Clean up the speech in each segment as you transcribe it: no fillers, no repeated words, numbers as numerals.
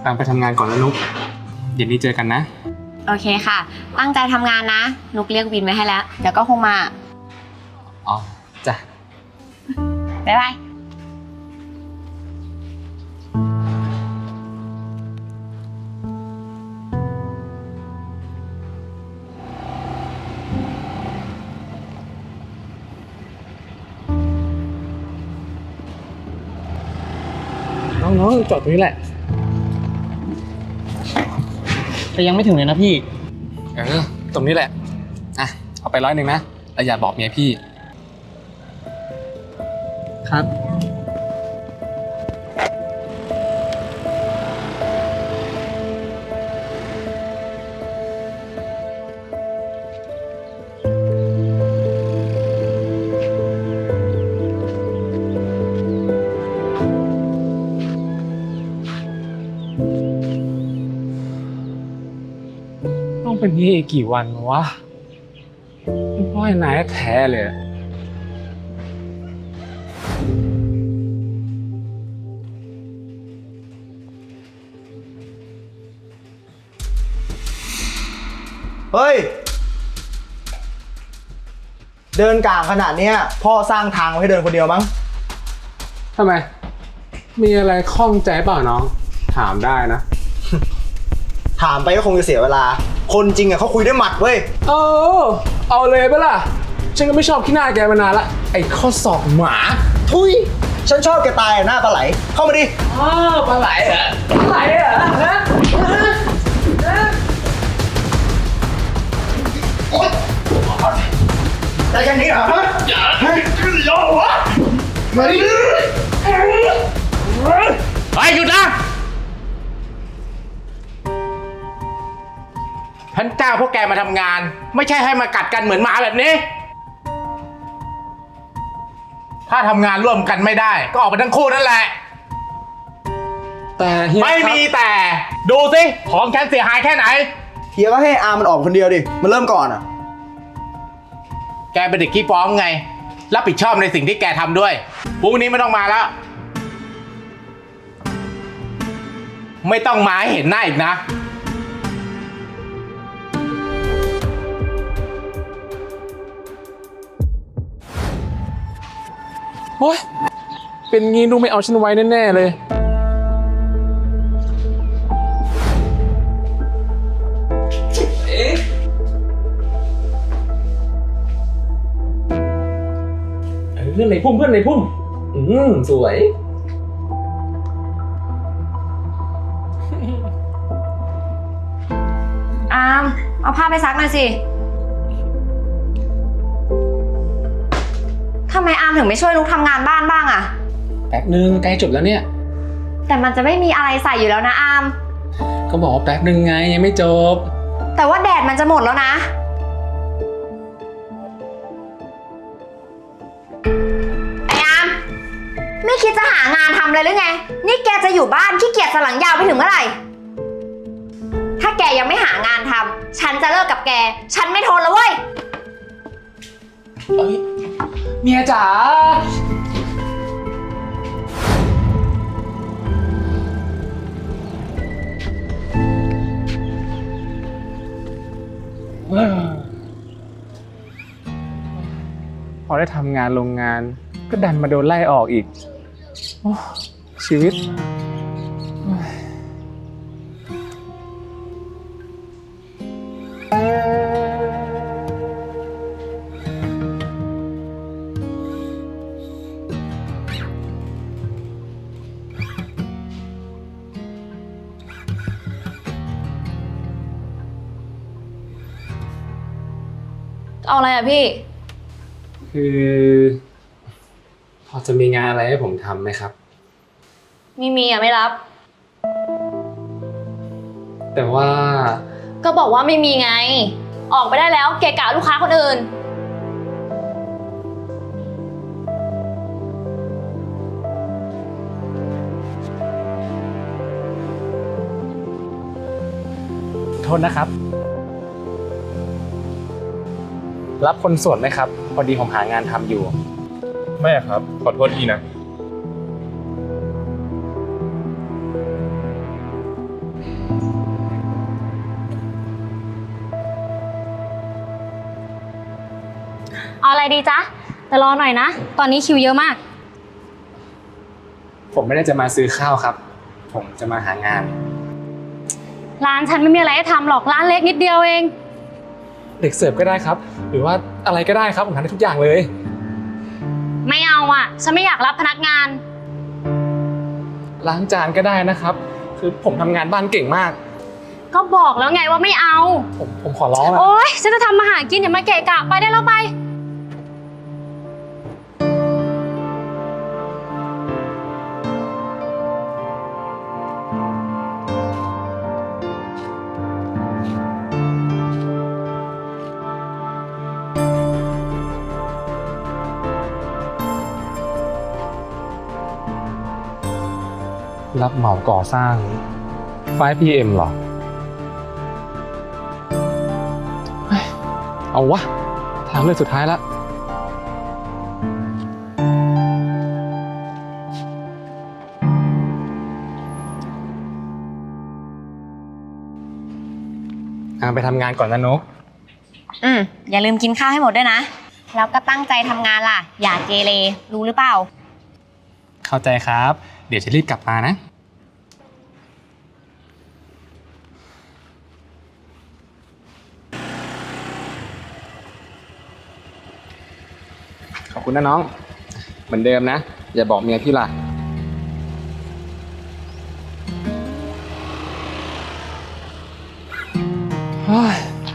ตังไปทำงานก่อนแล้วนุ๊กเย็นนี้เจอกันนะโอเคค่ะ ตั้งใจทำงานนะ นุกเรียกวินไว้ให้แล้ว เดี๋ยวก็คงมาอ๋อจ้ะบ๊ายบายน้องๆจอดตรงนี้แหละแต่ยังไม่ถึงเลยนะพี่ตรงนี้แหละอ่ะเอาไป100นะแล้วอย่าบอกเมียพี่ครับต้องเป็นนี้อีกกี่วันวะพ่อยนายแท้เลยเฮ้ยเดินกลางขนาดเนี้ยพ่อสร้างทางไว้ให้เดินคนเดียวมั้งทำไมมีอะไรข้องใจเปล่าน้องถามได้นะถามไปก็คงจะเสียเวลาคนจริงอ่ะเขาคุยด้วยหมัดเว้ยเอาเลยปะล่ะฉันก็ไม่ชอบขี้หน้าแกมานานละไอ้ข้อศอกหมาทุยฉันชอบแกตายหน้าปลาไหลเข้ามาดิปลาไหลเหรอปลาไหลเหรอฮะได้แค่นี้เหรอฮะอย่าให้ขึ้นยอวะมาดิไปหยุดนะฉันจ้างพวกแกมาทำงานไม่ใช่ให้มากัดกันเหมือนหมาแบบนี้ถ้าทำงานร่วมกันไม่ได้ก็ออกไปทั้งคู่นั่นแหละแต่เฮียไม่มีแต่ดูสิของฉันเสียหายแค่ไหนเฮียก็ให้อามันออกคนเดียวดิมันเริ่มก่อนอ่ะแกเป็นเด็กขี้ฟ้องไงรับผิดชอบในสิ่งที่แกทำด้วยพรุ่งนี้ไม่ต้องมาแล้วไม่ต้องมาให้เห็นหน้าอีกนะโอ๊ยเป็นงี้นุ๊กไม่เอาฉันไว้แน่ๆเลยเพื่อนในพุ่มสวยอามเอาผ้าไปซักหน่อยสิทำไมอามถึงไม่ช่วยนุกทำงานบ้านบ้างอะแป๊บนึงใกล้จบแล้วเนี่ยแต่มันจะไม่มีอะไรใส่อยู่แล้วนะอามก็บอกว่าแป๊บนึงไงยังไม่จบแต่ว่าแดดมันจะหมดแล้วนะไอ้อามไม่คิดจะหางานทำเลยหรือไงนี่แกจะอยู่บ้านขี้เกียจสันหลังยาวไปถึงเมื่อไหร่ถ้าแกยังไม่หางานทำฉันจะเลิกกับแกฉันไม่ทนแล้วเว้ยเมียจ๋าพอได้ทำงานโรงงานก็ดันมาโดนไล่ออกอีกชีวิตเอาอะไรอ่ะพี่คือพอจะมีงานอะไรให้ผมทำไหมครับไม่มีอ่ะไม่รับแต่ว่าก็บอกว่าไม่มีไงออกไปได้แล้วเกะกะลูกค้าคนอื่นโทษนะครับรับคนส่วนไหมครับพอดีผมหางานทำอยู่ไม่ครับขอโทษทีนะดีจ๊ะแต่รอหน่อยนะ ตอนนี้คิวเยอะมากผมไม่ได้จะมาซื้อข้าวครับ ผมจะมาหางานร้านฉันไม่มีอะไรให้ทำหรอกร้านเล็กนิดเดียวเองเด็กเสิร์ฟก็ได้ครับ หรือว่าอะไรก็ได้ครับผมทำได้ทุกอย่างเลยไม่เอาอ่ะ ฉันไม่อยากรับพนักงานล้างจานก็ได้นะครับ คือผมทำงานบ้านเก่งมากก็บอกแล้วไงว่าไม่เอาผมขอร้องนะโอ๊ยฉันจะทำมาหากินอย่ามาเกะกะไปได้แล้วไปรับเหมาก่อสร้าง 5PM เหรอเฮ้ยเอาวะทางเลือกสุดท้ายละไปทำงานก่อนนะนกอย่าลืมกินข้าวให้หมดด้วยนะ แล้วก็ตั้งใจทำงานล่ะ อย่าเกเร รู้หรือเปล่าเข้าใจครับ เดี๋ยวจะรีบกลับมานะ ขอบคุณนะน้อง เหมือนเดิมนะ อย่าบอกเมียพี่ล่ะ เฮ้ย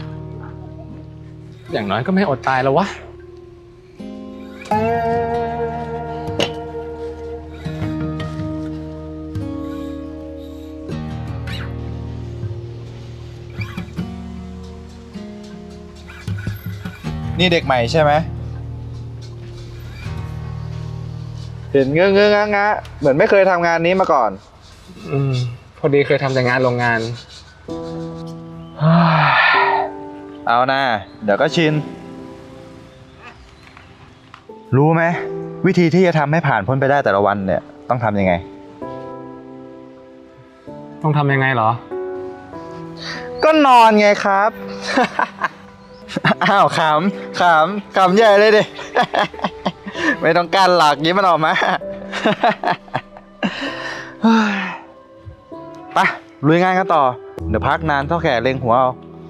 อย่างน้อยก็ไม่อดตายแล้ววะนี่เด็กใหม่ใช่ไหมเห็นเงื้อๆงะๆเหมือนไม่เคยทำงานนี้มาก่อนพอดีเคยทำแต่งานโรงงานเอานะเดี๋ยวก็ชิน รู้ไหมวิธีที่จะทำให้ผ่านพ้นไปได้แต่ละวันเนี่ยต้องทำยังไงต้องทำยังไงเหรอก็นอนไงครับ อ้าวขำใหญ่เลยดิ ไม่ต้องการหลักยิ้มมันออกมา ไปลุยงานกันต่อ เดี๋ยวพักนานเท่าแก่เล็งหัวเอา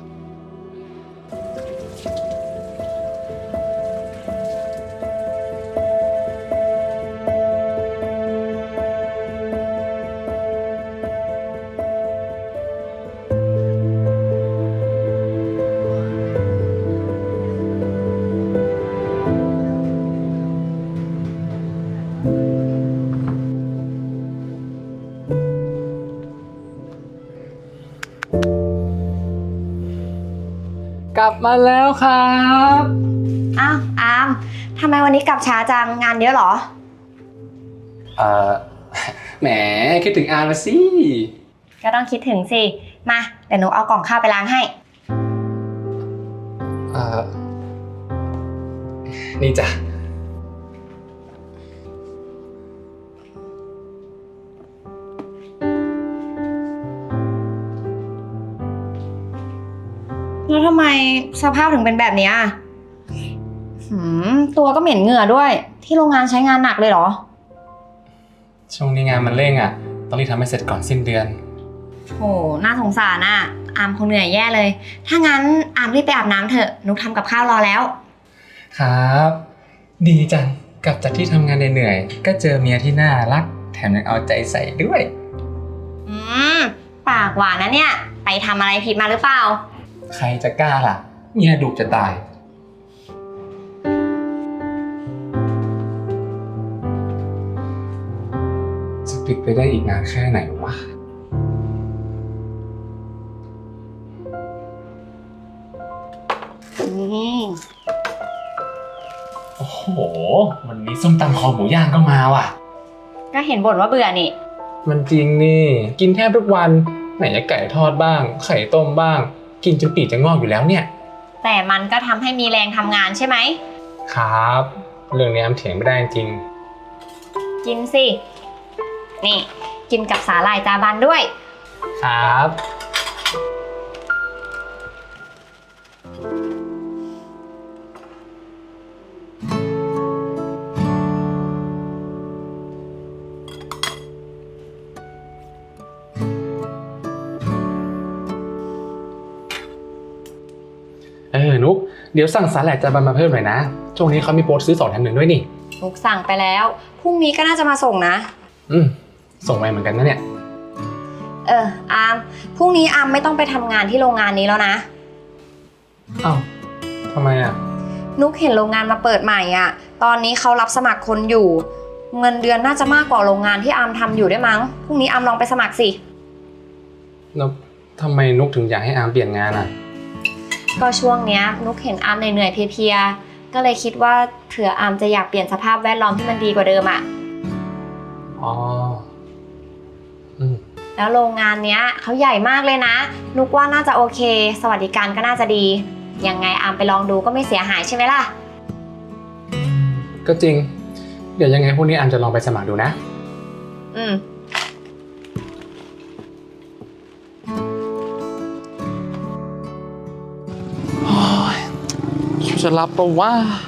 กลับมาแล้วครับอ้าวอามทำไมวันนี้กลับช้าจัง งานเยอะเหรอแหมคิดถึงอาร์มาสิก็ต้องคิดถึงสิ มา เดี๋ยวหนูเอากล่องข้าวไปล้างให้นี่จ้ะแล้วทำไมสภาพถึงเป็นแบบเนี้ยตัวก็เหม็นเหงื่อด้วย ที่โรงงานใช้งานหนักเลยเหรอช่วงนี้งานมันเร่งอ่ะ ต้องรีบทำให้เสร็จก่อนสิ้นเดือนโห น่าสงสารอ่ะ อามคงเหนื่อยแย่เลย ถ้างั้นอามรีบไปอาบน้ำเถอะ นุกทำกับข้าวรอแล้วครับ ดีจัง กลับจากที่ทำงานเหนื่อยๆก็เจอเมียที่น่ารัก แถมยังเอาใจใส่ด้วยปากหวานนะเนี่ย ไปทำอะไรผิดมาหรือเปล่าใครจะกล้าล่ะ เมียดุจะตาย จะปิดไปได้อีกนานแค่ไหนวะ โอ้โห วันนี้ส้มตำคอหมูย่างก็มาว่ะก็เห็นบ่นว่าเบื่อนี่มันจริงนี่ กินแทบทุกวัน ไหนจะไก่ทอดบ้าง ไข่ต้มบ้าง กินจนปีกจะงอกอยู่แล้วเนี่ยแต่มันก็ทำให้มีแรงทำงานใช่ไหมครับ เรื่องนี้แอมเถียงไม่ได้จริงกินสิ นี่ กินกับสาหร่ายจาบันด้วยครับอเดี๋ยวสั่งสาหร่ายจานมาเพิ่มหน่อยนะ ช่วงนี้เขามีโปรซื้อ2 แถม 1ด้วยนี่นุกสั่งไปแล้ว พรุ่งนี้ก็น่าจะมาส่งนะส่งไปเหมือนกันนะเนี่ยอาม พรุ่งนี้อามไม่ต้องไปทำงานที่โรงงานนี้แล้วนะอ้าวทำไมอ่ะนุกเห็นโรงงานมาเปิดใหม่อ่ะ ตอนนี้เขารับสมัครคนอยู่ เงินเดือนน่าจะมากกว่าโรงงานที่อามทำอยู่ด้วยมั้ง พรุ่งนี้อามลองไปสมัครสิแล้วทำไมนุกถึงอยากให้อามเปลี่ยนงานอ่ะก็ช่วงเนี้ยนุกเห็นอามเหนื่อยๆเพลียๆ ก็เลยคิดว่าเผื่ออามจะอยากเปลี่ยนสภาพแวดล้อมที่มันดีกว่าเดิมอ่ะอ๋อแล้วโรงงานเนี้ยเขาใหญ่มากเลยนะ นุกว่าน่าจะโอเค สวัสดิการก็น่าจะดี ยังไงอามไปลองดูก็ไม่เสียหายใช่ไหมล่ะก็จริง เดี๋ยวยังไงพวกนี้อามจะลองไปสมัครดูนะอืมจะรับปะว่า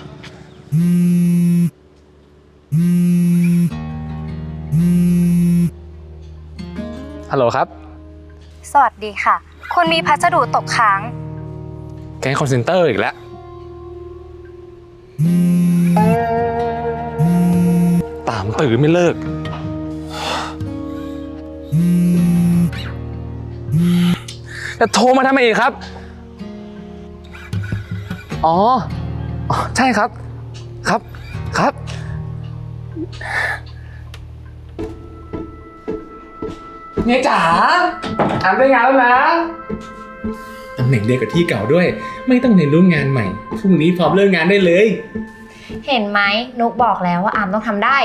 ฮัลโหลครับสวัสดีค่ะ คุณมีพัสดุตกค้างแก๊งคอนเซนเตอร์อีกแล้ว ตามตื่นไม่เลิก จะโทรมาทำไมอีกครับ อ๋อ ใช่ครับ ครับ เนี่ยจ๋าอ่านได้งานแล้วนะตำแหน่งเดียวกับที่เก่าด้วย ไม่ต้องเรียนรู้งานใหม่ พรุ่งนี้พร้อมเริ่มงานได้เลยเห็นไหมนุกบอกแล้วว่าอามต้องทำได้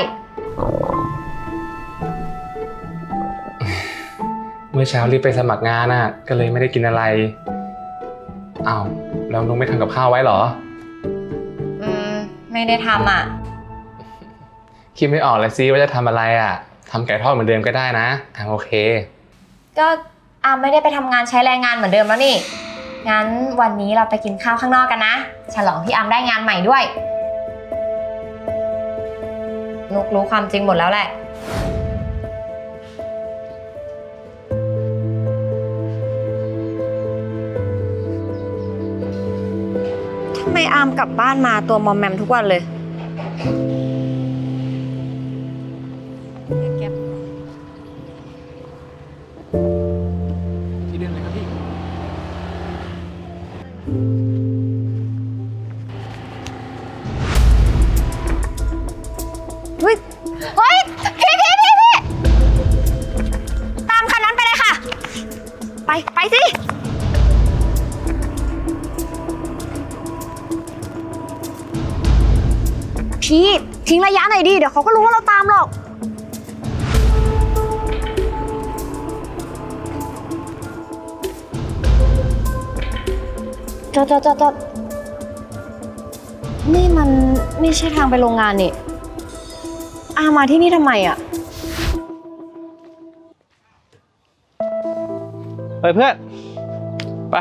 เมื่อเช้ารีบไปสมัครงานน่ะ ก็เลยไม่ได้กินอะไรอ้าวแล้วนุ๊กไม่ทำกับข้าวไว้เหรอไม่ได้ทำอ่ะคิดไม่ออกเลยซิว่าจะทำอะไรอ่ะทำไก่ทอดเหมือนเดิมก็ได้นะโอเคก็อามไม่ได้ไปทำงานใช้แรงงานเหมือนเดิมแล้วนี่ งั้นวันนี้เราไปกินข้าวข้างนอกกันนะ ฉลองที่อามได้งานใหม่ด้วย นุกรู้ความจริงหมดแล้วแหละ ทำไมอามกลับบ้านมาตัวมอมแมมทุกวันเลยที่เดินเลยครับพี่เฮ้ยพี่ตามคันนั้นไปเลยค่ะ ไปสิ พี่ทิ้งระยะหน่อยดิ เดี๋ยวเขาก็รู้ว่าเราตามหรอก จอดนี่มันไม่ใช่ทางไปโรงงานนี่อามาที่นี่ทำไมอ่ะไปเพื่อน ไป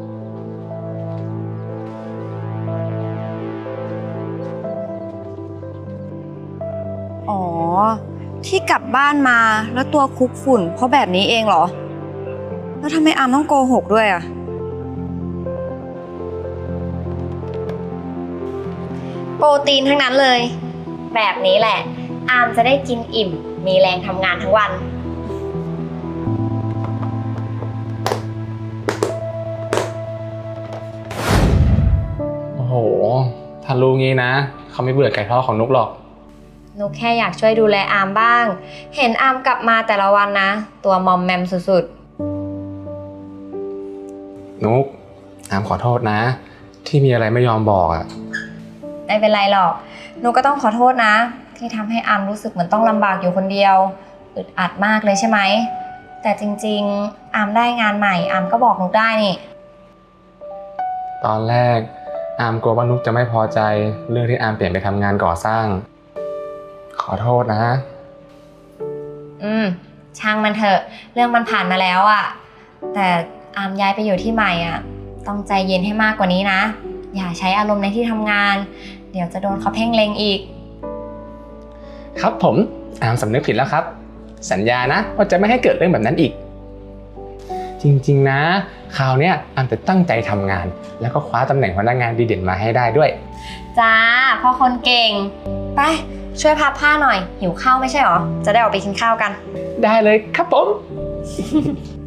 อ๋อ ที่กลับบ้านมาแล้วตัวคลุกฝุ่นเพราะแบบนี้เองเหรอ แล้วทำไมอามต้องโกหกด้วยอ่ะ โปรตีนทั้งนั้นเลย แบบนี้แหละ อามจะได้กินอิ่ม มีแรงทำงานทั้งวันโอ้โหถ้ารู้งี้นะเขาไม่เบื่อไก่ทอดของนุกหรอกนุกแค่อยากช่วยดูแลอามบ้าง เห็นอามกลับมาแต่ละวันนะ ตัวมอมแมมสุดนุกอามขอโทษนะ ที่มีอะไรไม่ยอมบอกอ่ะๆ ไม่เป็นไรหรอก นุกก็ต้องขอโทษนะ ที่ทำให้อามรู้สึกเหมือนต้องลำบากอยู่คนเดียว อึดอัดมากเลยใช่ไหม แต่จริงๆ อามได้งานใหม่ อามก็บอกนุกได้นี่ตอนแรกอามกลัวว่านุกจะไม่พอใจเรื่องที่อามเปลี่ยนไปทำงานก่อสร้าง ขอโทษนะช่างมันเถอะ เรื่องมันผ่านมาแล้วอะแต่อามย้ายไปอยู่ที่ใหม่อะต้องใจเย็นให้มากกว่านี้นะ อย่าใช้อารมณ์ในที่ทำงาน เดี๋ยวจะโดนเขาเพ่งเล็งอีกครับผมอามสำนึกผิดแล้วครับ สัญญานะว่าจะไม่ให้เกิดเรื่องแบบนั้นอีกจริงๆนะคราวเนี้ยอามจะตั้งใจทำงาน แล้วก็คว้าตำแหน่งพนักงานดีเด่นมาให้ได้ด้วยจ้าพ่อคนเก่ง ไป ช่วยพับผ้าหน่อย หิวข้าวไม่ใช่หรอ จะได้ออกไปกินข้าวกันได้เลยครับผม